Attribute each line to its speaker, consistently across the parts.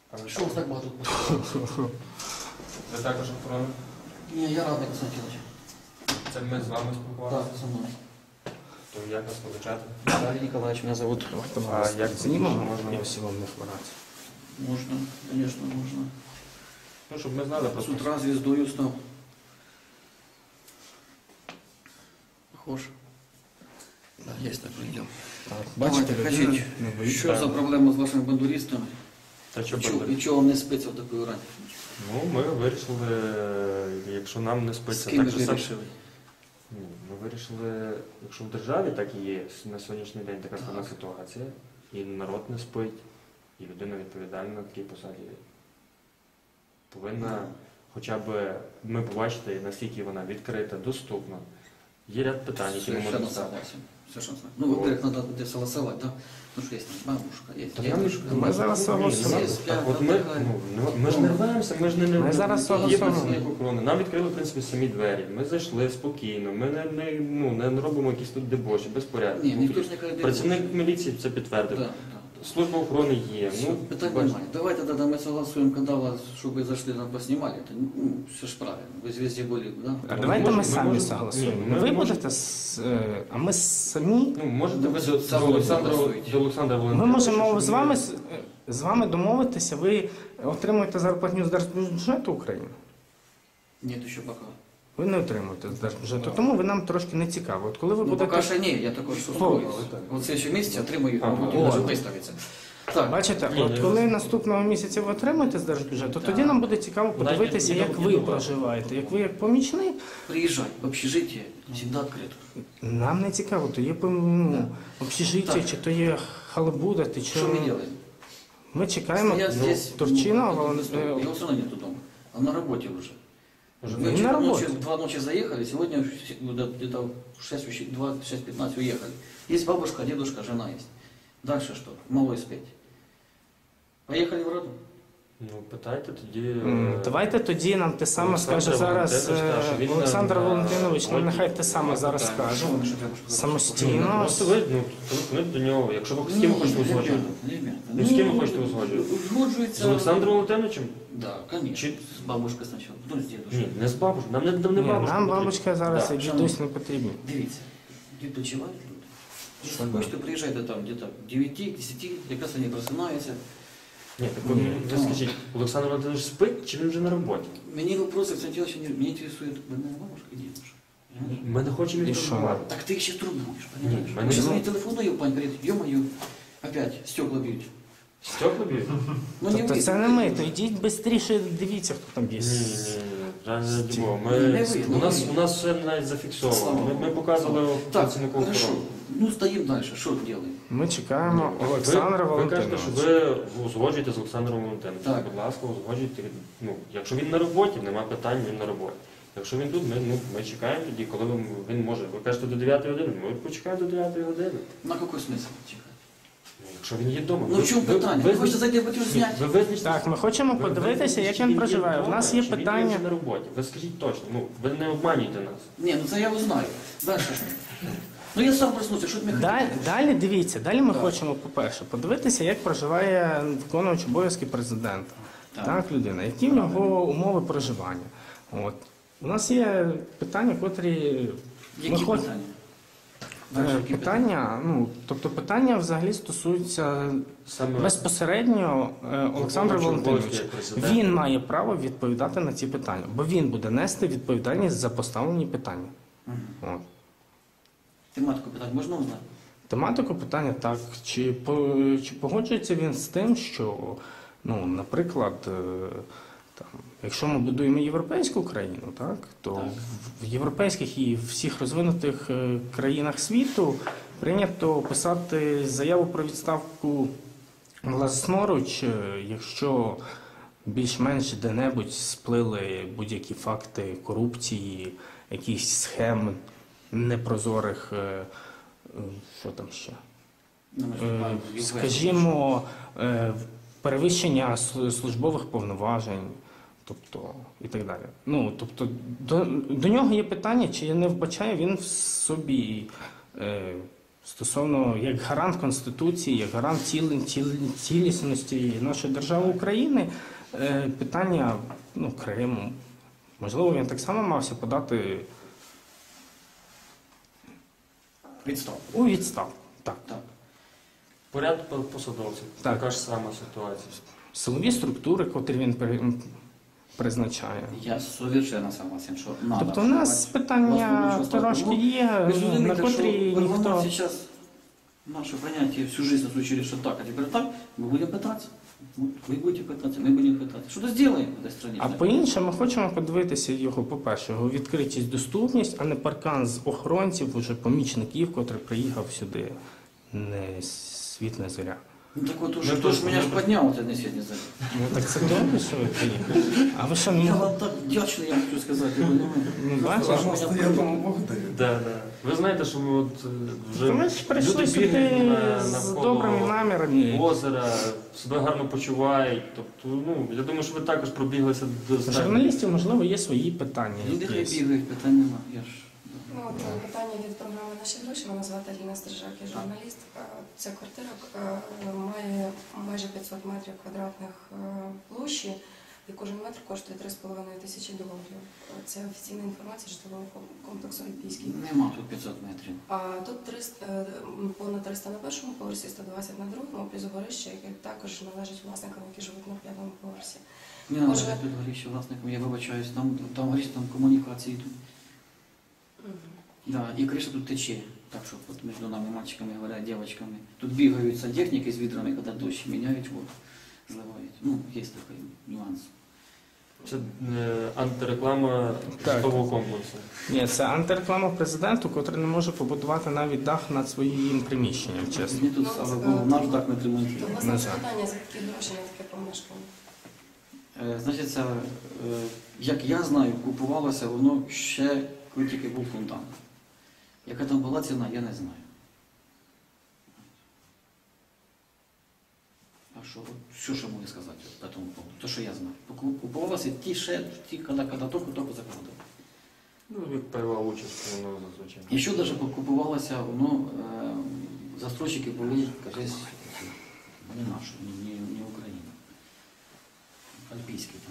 Speaker 1: Що у вас так багато?
Speaker 2: Ви також охорона?
Speaker 1: Ні, я радий, Константинович.
Speaker 2: Це ми з вами спілкувалися?
Speaker 1: Так, со мною.
Speaker 2: То як вас величати?
Speaker 1: Виталий Николаевич, меня зовут.
Speaker 2: А як
Speaker 3: знімемо?
Speaker 2: можна?
Speaker 3: Я всі вам не хворати.
Speaker 1: Можно, конечно, можно.
Speaker 2: Ну, щоб ми знали
Speaker 1: С
Speaker 2: просто.
Speaker 1: утра звездою стал. Похож. Да, есть так, идем.
Speaker 3: Так,
Speaker 1: Давайте,
Speaker 3: бачите,
Speaker 1: кажіть,
Speaker 3: людина не боїться.
Speaker 1: що за проблема з вашими бандуристами?
Speaker 2: Та що
Speaker 1: І чого вам не спиться в таку рань?
Speaker 2: Ну, ми вирішили, якщо нам не
Speaker 1: З
Speaker 2: спиться,
Speaker 1: ким
Speaker 2: так
Speaker 1: ви
Speaker 2: же сам.
Speaker 1: вирішили?
Speaker 2: Ні, ми вирішили, якщо в державі так і є на сьогоднішній день така складна ситуація, і народ не спить, і людина відповідальна на такій посаді повинна хоча б ми побачити, наскільки вона відкрита, доступна. Є ряд питань, які ми можемо
Speaker 1: Совершенно
Speaker 2: ставити.
Speaker 1: согласен. Совершенно согласен. Ну, во-первых, надо где согласовать, да? Ну, что есть бабушка, есть
Speaker 2: Так нам
Speaker 1: дедушка.
Speaker 3: ми зараз согласуємо.
Speaker 1: Є,
Speaker 2: Так от ми ж не рваємося, ми ж не
Speaker 3: Ми зараз
Speaker 2: є
Speaker 3: согласуємо.
Speaker 2: працівник охорони. Нам відкрили, в принципі, самі двері. Ми зайшли спокійно, ми не робимо якісь тут дебоші, безпорядки.
Speaker 1: Ні, ніхто ж не каже,
Speaker 2: Працівник міліції це підтвердив.
Speaker 1: Да.
Speaker 2: Служба охорони є.
Speaker 1: Все,
Speaker 2: Ну,
Speaker 1: питань
Speaker 2: бачите.
Speaker 1: немає. Давайте тогда мы согласуем, когда вас, чтобы вы зашли, нам поснимали. Это, ну, все ж правильно. Вы везде были, да?
Speaker 3: А давайте ми самі
Speaker 2: можемо-
Speaker 3: согласуємо.
Speaker 2: Ні, ми
Speaker 3: Ви
Speaker 2: можемо-
Speaker 3: будете, а ми самі.
Speaker 2: Ну, можете ви
Speaker 1: Сам
Speaker 2: до Олександра
Speaker 1: голосуйте.
Speaker 3: Ми
Speaker 2: Валентиновича,
Speaker 3: можемо
Speaker 2: щоб
Speaker 3: з вами домовитися, ви отримуєте зарплатню з держбюджету України.
Speaker 1: Нет, еще пока.
Speaker 3: Ви не отримуєте з держбюджету, тому ви нам трошки не цікаво. От коли ви
Speaker 1: Ну,
Speaker 3: будете...
Speaker 1: пока что не, я такой что устроюсь. Вот в следующем месяце отримаю,
Speaker 2: Ага.
Speaker 1: буду даже выставиться. Так,
Speaker 3: Бачите,
Speaker 2: Ні,
Speaker 3: от
Speaker 2: ні,
Speaker 3: коли
Speaker 2: ви-
Speaker 3: наступного місяця ви отримаєте з держбюджету,
Speaker 1: Так.
Speaker 3: тоді нам буде цікаво подивитися,
Speaker 2: Навіть
Speaker 3: як
Speaker 2: і
Speaker 3: ви
Speaker 2: добре.
Speaker 3: проживаєте. Як ви як помічник,
Speaker 1: приезжай в общежитие, всегда открыто.
Speaker 3: нам не цікаво, то є общежиття,
Speaker 1: Так.
Speaker 3: чи то є халабуда, чи
Speaker 1: Что мы делаем?
Speaker 3: Ми чекаємо
Speaker 1: Я здесь,
Speaker 3: Турчина,
Speaker 1: его все равно нету дома. Он на работе уже.
Speaker 2: Уже
Speaker 1: Мы
Speaker 3: на
Speaker 1: вчера
Speaker 3: работе.
Speaker 1: ночью, 2 ночи заехали, сегодня где-то в 6-15 уехали. Есть бабушка, дедушка, жена есть. Дальше что? Малой спеть. Поехали в роду?
Speaker 2: Ну, питайте тоді.
Speaker 3: Давайте тоді нам те саме
Speaker 2: Олександр
Speaker 3: скаже зараз
Speaker 2: Валентинович каже, він
Speaker 3: Олександр
Speaker 2: на
Speaker 3: Валентинович, нам
Speaker 2: роботі.
Speaker 3: нехай те саме зараз скаже. Самостійно.
Speaker 2: Просто ви, телефонуйте до нього, якщо ви з ким ви хочете узгоджувати. Ну, з ким ви хочете узгоджувати?
Speaker 1: Узгоджується.
Speaker 2: З Олександром Валентиновичем?
Speaker 1: Да, конечно.
Speaker 2: Чи-
Speaker 1: С бабушкой сначала, потом с дедушкой.
Speaker 2: Ні, не з бабушкою. Нам не
Speaker 3: Ні,
Speaker 2: бабушка.
Speaker 3: нам
Speaker 2: потрібна.
Speaker 3: бабушка зараз
Speaker 2: Да.
Speaker 3: і дідусь не потрібні.
Speaker 1: Дивіться, відпочивають люди. Якщо
Speaker 3: Що,
Speaker 1: хочете, приїжджайте там где-то 9-10, якраз вони просинаються.
Speaker 2: Ні, так ви скажіть, Олександр Валентинович спить чи він вже на роботі?
Speaker 1: Мені вопросы, кстати, очень меня интересует больная бабушка и дедушка.
Speaker 2: Ми не хочемо
Speaker 3: І
Speaker 2: їх
Speaker 3: що?
Speaker 2: турбувати.
Speaker 1: Так ты их сейчас турбуешь, понимаешь?
Speaker 2: Ні, мене
Speaker 1: Сейчас
Speaker 2: не-
Speaker 1: мне телефонную, пань говорит, ё-моё, опять стекла бьют.
Speaker 2: Стекла б'ють?
Speaker 1: Ну не
Speaker 3: Тобто
Speaker 1: вы.
Speaker 3: це не ми, то йдіть швидше, дивіться, хто там є.
Speaker 2: Ні. Реально не дімо.
Speaker 1: Не ви,
Speaker 2: У нас все навіть зафіксовано.
Speaker 1: Слава
Speaker 2: Ми показували
Speaker 1: Так,
Speaker 2: працівнику
Speaker 1: хорошо.
Speaker 2: охорони.
Speaker 1: Ну стоим дальше, что делаем?
Speaker 3: Ми чекаємо Олександра
Speaker 2: Ви кажете, що
Speaker 3: Валентиновича.
Speaker 2: ви узгоджуєте з Олександром Валентиновичем.
Speaker 1: Так.
Speaker 2: Будь ласка, узгоджуйте. Ну, якщо він на роботі, нема питань, він на роботі. Якщо він тут, ми чекаємо тоді, коли він може. Ви кажете до 9 години, ми почекаємо до 9 години.
Speaker 1: На какой смысл чекать?
Speaker 2: Ну, якщо він є вдома.
Speaker 1: Ну в чем питание? Вы хочете зайти в эти снять?
Speaker 2: Ви визначте.
Speaker 3: Так, ми хочемо подивитися, як він проживає. У нас є
Speaker 2: Чи він
Speaker 3: питання.
Speaker 2: вже на роботі. Ви скажіть точно, ви не обманюйте нас.
Speaker 1: Не, ну это я узнаю. Дальше что? Ну я сам проснуся, что ты мне
Speaker 3: Далі дивіться, далі ми
Speaker 1: Так.
Speaker 3: хочемо, по-перше, подивитися, як проживає виконувач обов'язки президента.
Speaker 1: Так.
Speaker 3: Так, людина, які в нього умови проживання. От. У нас є питання, котрі
Speaker 1: Які
Speaker 3: ми хоч-
Speaker 1: питання? Дальше, які
Speaker 3: питання, ну, тобто питання взагалі стосуються
Speaker 2: Саме
Speaker 3: безпосередньо Олександра
Speaker 2: Виконуючий
Speaker 3: Валентиновича.
Speaker 2: обов'язки президента.
Speaker 3: Він має право відповідати на ці питання, бо він буде нести відповідальність за поставлені питання.
Speaker 1: Мгм.
Speaker 3: От.
Speaker 1: Тематику питань можна узнати?
Speaker 3: Тематику питання так. Чи погоджується він з тим, що, ну, наприклад, там, якщо ми будуємо європейську країну, так, то
Speaker 1: Так.
Speaker 3: в європейських і всіх розвинутих країнах світу прийнято писати заяву про відставку власноруч, якщо більш-менш де-небудь сплили будь-які факти корупції, якісь схем непрозорих, що там ще?
Speaker 1: Ну, ми ж маємо в ЄВС.
Speaker 3: Скажімо, перевищення службових повноважень, тобто і так далі. Ну, тобто, до нього є питання, чи не вбачає він в собі стосовно як гарант Конституції, як гарант цілісності нашої держави України, питання Криму. Можливо, він так само мався подати
Speaker 1: Відстав.
Speaker 3: у відставку. Так.
Speaker 1: Так.
Speaker 2: Поряд посадовців.
Speaker 3: Так.
Speaker 2: Така ж сама ситуація.
Speaker 3: Силові структури, котрі він призначає.
Speaker 1: Я совершенно согласен, що надо.
Speaker 3: Тобто у нас питання трошки є,
Speaker 1: Ви ж розумієте,
Speaker 3: на котрі
Speaker 1: що
Speaker 3: ніхто...
Speaker 1: зараз наше поняття всю жизнь нас учили, что так, а теперь так, мы будем пытаться. Вот вы будете пытаться, мы будем пытаться. Что-то сделаем в этой стране.
Speaker 3: А по-іншому ми хочемо подивитися його, по-перше, його відкритість, доступність, а не паркан з охоронців, уже помічників, котрий приїхав сюди. Не світ, не зоря.
Speaker 1: Ну так вот уже, кто ж меня ж поднял, это не сегодня за.
Speaker 3: Ну так це добре, що ви приїхали. А ви що,
Speaker 1: Я
Speaker 3: ну,
Speaker 1: вам так вдячний, я хочу сказати.
Speaker 3: бачите?
Speaker 1: Важно стояти, тому
Speaker 4: Бог дає.
Speaker 2: Да. Ви знаєте, що ми от вже
Speaker 3: То ми ж прийшли
Speaker 2: люди
Speaker 3: сюди
Speaker 2: бігають
Speaker 3: з
Speaker 2: навколо
Speaker 3: добрими намірами.
Speaker 2: озера, себе гарно почувають. Тобто, я думаю, що ви також пробіглися до
Speaker 3: Журналістів, можливо, є свої питання.
Speaker 1: Люди хай
Speaker 3: якісь.
Speaker 1: бігають, питань нема. Я ж...
Speaker 5: Ну, от питання від програми «Наші гроші». Мене звати Аліна Стрижак, я журналіст. Ця квартира має майже 500 метрів квадратних площі, і кожен метр коштує 3,5 тисячі доларів. Це офіційна інформація житлового комплексу «Олімпійський».
Speaker 1: Нема тут 500 метрів.
Speaker 5: А тут понад 300 на першому поверсі, 120 на другому, плюс горище, яке також належить власникам, які живуть на п'ятому поверсі.
Speaker 1: Не надо
Speaker 5: Може-
Speaker 1: тут горіще власникам, я вибачаюсь, там горіще, там комунікації йдуть. Да, и крыша тут тече. Так что вот между нами, мальчиками, говорят, девочками. Тут бегают сантехники с ведрами, когда дождь меняют, вот, зливають. Ну, есть такой нюанс.
Speaker 2: Це антиреклама
Speaker 3: Так.
Speaker 2: житлового комплексу.
Speaker 3: Ні, це антиреклама президенту, котрий не може побудувати навіть дах над своїм приміщенням, чесно.
Speaker 1: Мені тут, слава Богу, наш дах не
Speaker 5: То,
Speaker 1: ремонтує.
Speaker 5: власне,
Speaker 3: На жаль.
Speaker 5: питання, звідки гроші на таке помешкання?
Speaker 1: Значить, це, як я знаю, купувалося воно ще, коли тільки був фундамент. Яка там була ціна, я не знаю. А що, що ще можу сказати по тому поводу? То, що я знаю. Купувалося ті, коли тільки закладали.
Speaker 2: Ну, як пайова участь, воно зазвичай.
Speaker 1: І що навіть купувалося, воно, застройщики були, кажись, не наші, не Україна. Альпійські там.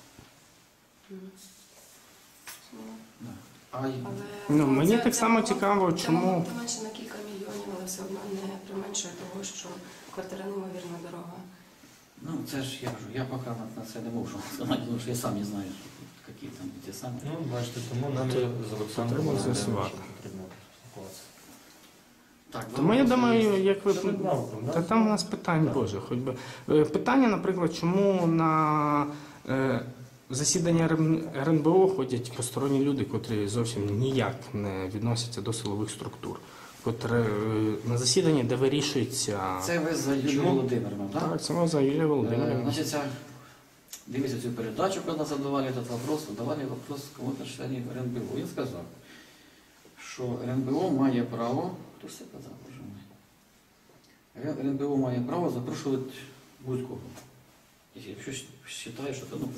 Speaker 1: Да.
Speaker 3: Ну, мені
Speaker 5: це-
Speaker 3: так
Speaker 5: це
Speaker 3: само
Speaker 5: могло-
Speaker 3: цікаво,
Speaker 5: це
Speaker 3: чому-
Speaker 5: могло б менше на кілька мільйонів, але все одно не применшує того, що квартира неймовірно дорога.
Speaker 1: Ну, це ж я кажу, я поки на це не можу сказати, тому що я сам не знаю, які там ті самі.
Speaker 2: Ну, бачите, тому нам і з Олександром
Speaker 3: Треба
Speaker 2: Володимировичем
Speaker 3: з'ясувати.
Speaker 2: потрібно спілкуватися.
Speaker 1: Так,
Speaker 3: Тому я думаю, як ви...
Speaker 2: Це ми навком, да?
Speaker 3: Та там у нас питань, Боже, хоч би. Питання, наприклад, чому на засідання РНБО ходять посторонні люди, котрі зовсім ніяк не відносяться до силових структур, котрі на засіданні, де вирішується...
Speaker 1: це ви за Юлію
Speaker 2: Чому?
Speaker 1: Володимирівну, так?
Speaker 3: Так, це за Юлія Володимирівна.
Speaker 1: Значит, дивіться цю передачу, когда задавали этот вопрос, задавали вопрос кому-то з членів РНБО. Він сказав, що РНБО має право, хто ж це казав, боже мой? РНБО має право запрошувати будь-кого. Якщо вважає, що це ну,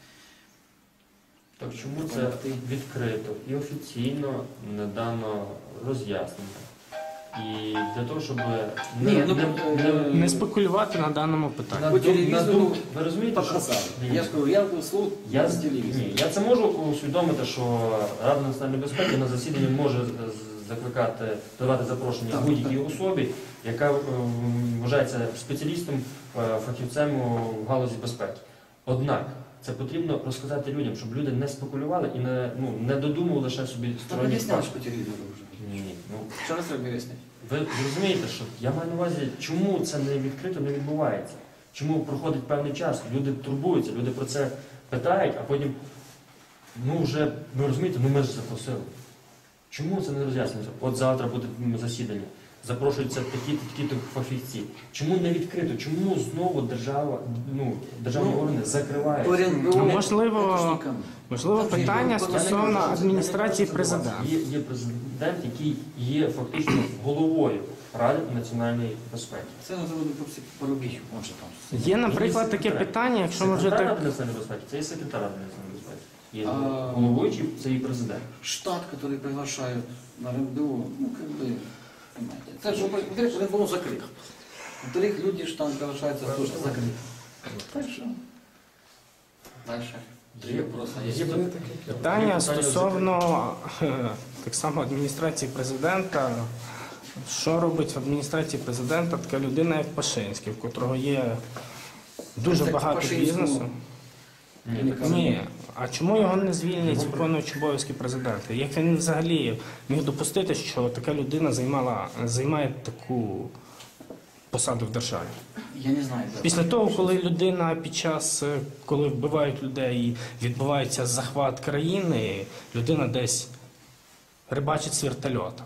Speaker 2: Так чому це відкрито і офіційно не дано роз'яснення? І для того, щоб
Speaker 1: Ні, ну,
Speaker 3: Не спекулювати на даному питанні.
Speaker 1: По телевізору
Speaker 2: ви розумієте, що
Speaker 1: показали. Я ж кажу, я слух
Speaker 2: Я,
Speaker 1: з телевізора.
Speaker 2: ні, я це можу усвідомити, що Рада національної безпеки на засіданні може закликати, давати запрошення
Speaker 1: Так,
Speaker 2: будь-якій
Speaker 1: так.
Speaker 2: особі, яка вважається спеціалістом, фахівцем у галузі безпеки. Однак це потрібно розказати людям, щоб люди не спекулювали і не додумували лише собі
Speaker 1: Так
Speaker 2: сторонні
Speaker 1: об'ясняєш
Speaker 2: факти.
Speaker 1: по телевізору вже.
Speaker 2: Ні, ну,
Speaker 1: Що раз треба об'яснити?
Speaker 2: ви розумієте, що я маю на увазі, чому це не відкрито не відбувається? Чому проходить певний час, люди турбуються, люди про це питають, а потім, вже, ви розумієте, ми ж запросили. Чому це не роз'яснюється? От завтра буде засідання, запрошуються такі-то фахівці. Чому не відкрито? Чому знову державні органи закривають?
Speaker 3: Ну, можливо, питання стосовно адміністрації президента.
Speaker 2: Є президент, який є фактично головою Ради національної безпеки.
Speaker 1: Це називали Парубій, он же там.
Speaker 3: Є, наприклад, таке питання, якщо ми вже
Speaker 2: Секретар
Speaker 3: так...
Speaker 2: Ради національної безпеки, це є секретар Ради національної безпеки. Є
Speaker 1: А,
Speaker 2: головуючий, це і президент.
Speaker 1: Штат, который приглашают на РНБО, ну, как бы, Понимаете? Це ж, во-первых, РНБО закрит. Во-вторых, люди ж там залишаються теж закриті. Так що, далі. Три вопроси є.
Speaker 3: Питання стосовно так само адміністрації президента. Що робить в адміністрації президента така людина, як Пашинський, в котрого є дуже
Speaker 1: Так,
Speaker 3: багато
Speaker 1: Пашинського-
Speaker 3: бізнесу? Ні. А чому його не звільнять з виконуючого обов'язки президента? Як він взагалі міг допустити, що така людина займає таку посаду в державі?
Speaker 1: Я не знаю. де.
Speaker 3: Після того, коли людина під час, коли вбивають людей і відбувається захват країни, людина десь рибачить з вертольота.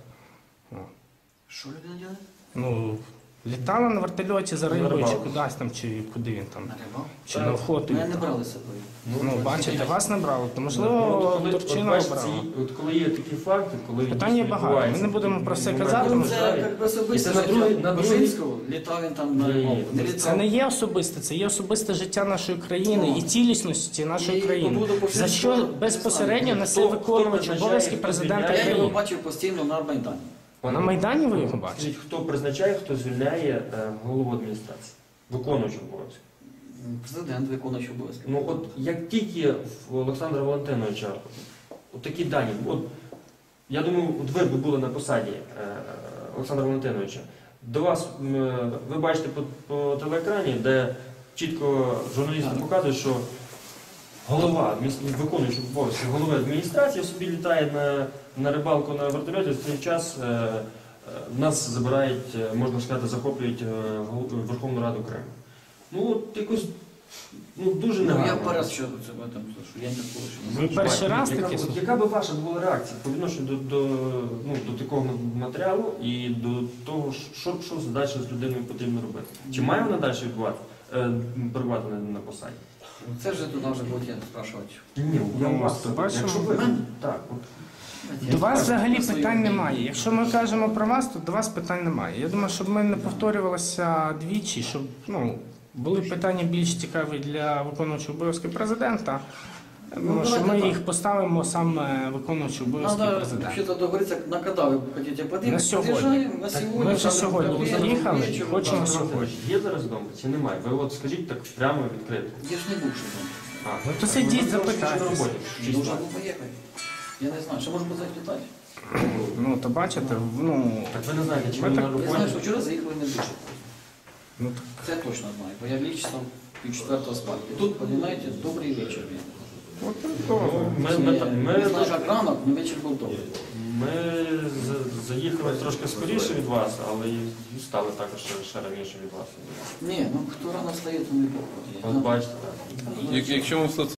Speaker 1: Що людина робить?
Speaker 3: Ну, літала на вертольоті за
Speaker 2: На
Speaker 3: рибою, чи
Speaker 2: рибалку.
Speaker 3: кудись там, чи куди він там,
Speaker 1: На рибалку?
Speaker 3: чи на охоту.
Speaker 1: Мене не брали з собою.
Speaker 3: Ну, бачите, вас не брали, то
Speaker 2: Ну,
Speaker 3: можливо,
Speaker 2: от коли-
Speaker 3: Турчина
Speaker 2: от бачите,
Speaker 3: обрала.
Speaker 2: от коли є такі факти, коли
Speaker 3: Питань є багато. Ми не будемо про все казати,
Speaker 1: Ну,
Speaker 3: тому
Speaker 1: це як би особисте
Speaker 2: І це на другий-
Speaker 1: життя
Speaker 2: на другий-
Speaker 1: Пашинського, літав він там на
Speaker 2: Ні,
Speaker 1: рибалку.
Speaker 2: ні,
Speaker 1: Не
Speaker 3: Це
Speaker 1: літав.
Speaker 3: не є особисте, це є особисте життя нашої країни і цілісності нашої
Speaker 1: І
Speaker 3: країни.
Speaker 1: по поводу
Speaker 3: За що
Speaker 1: Пашинського,
Speaker 3: безпосередньо
Speaker 1: не
Speaker 3: несе
Speaker 2: Хто
Speaker 3: виконувач
Speaker 2: призначає,
Speaker 3: обов'язки
Speaker 2: хто
Speaker 3: президента
Speaker 2: звільняє?
Speaker 1: Я його
Speaker 3: країни?
Speaker 1: бачив постійно на Майдані.
Speaker 3: На Майдані ви його бачите?
Speaker 2: Скажіть, хто призначає, хто звільняє голову адміністрації? Виконуючого обов'язки.
Speaker 1: Президент виконуючий обов'язки.
Speaker 2: Ну от як тільки в Олександра Валентиновича от такі дані, от я думаю, от ви б були на посаді Олександра Валентиновича, до вас ви бачите по телеекрані, де чітко журналісти показують, що голова, виконуючий обов'язки голови адміністрації собі літає на рибалку на вертольоті, в цей час нас забирають, можна сказати, захоплюють Верховну Раду Криму. Ну от якось дуже
Speaker 1: Ну,
Speaker 2: негарно.
Speaker 1: я перший що це в этом слышу. Я не слышу.
Speaker 3: Ви перший раз
Speaker 2: Яка-
Speaker 3: таке
Speaker 2: от
Speaker 3: слухаєте?
Speaker 2: яка би ваша була реакція по відношенню до такого матеріалу і до того, що далі з людиною потрібно робити? Чи має вона далі перебувати на посаді?
Speaker 1: Це ж тут вже буде спрашувати.
Speaker 2: Ні, я
Speaker 3: Ну,
Speaker 2: вас
Speaker 3: бачимо.
Speaker 2: якщо ви так, от,
Speaker 3: До вас взагалі питань немає. Якщо ми кажемо про вас, то до вас питань немає. Я думаю, щоб ми не повторювалися двічі, щоб були питання більш цікаві для виконуючого обов'язки президента. Я думаю, що ми їх поставимо саме виконуючого обов'язки
Speaker 1: Надо
Speaker 3: президента.
Speaker 1: вообще-то договориться, на когда вы хотите подъехать.
Speaker 3: На сьогодні.
Speaker 1: Подъезжаем, на сегодня.
Speaker 3: Ми вже
Speaker 1: там,
Speaker 3: сьогодні
Speaker 1: приедем,
Speaker 3: приїхали,
Speaker 1: вечером,
Speaker 3: хочемо
Speaker 1: там.
Speaker 3: сьогодні.
Speaker 2: є зараз вдома чи немає? Ви от скажіть так прямо відкрито.
Speaker 1: Я ж не був, що там.
Speaker 2: А,
Speaker 3: Ну, то сидіть,
Speaker 2: ви зараз
Speaker 3: запитайтесь.
Speaker 2: на роботі, в шість
Speaker 1: Должен
Speaker 2: ранку.
Speaker 1: був поїхати. Я не знаю, що може бути запитати.
Speaker 3: Ну, то бачите,
Speaker 2: Так ви не знаєте, чи
Speaker 3: Ви
Speaker 2: ви
Speaker 3: так-
Speaker 2: на
Speaker 1: Я
Speaker 2: роботі?
Speaker 1: знаю, що вчора заїхали не дуже.
Speaker 3: ну,
Speaker 1: Це я точно знаю, бо я ліг часом пів-четвертого спати. І тут, розумієте, добрий вечір.
Speaker 3: от і добре.
Speaker 1: Не знаю, як ранок, але вечір був добрий.
Speaker 2: Ми заїхали трошки скоріше від вас, але і стали також ще раніше від вас.
Speaker 1: Ні, ну хто рано встає, то не Бог.
Speaker 2: От бачите, так.
Speaker 4: Якщо ми в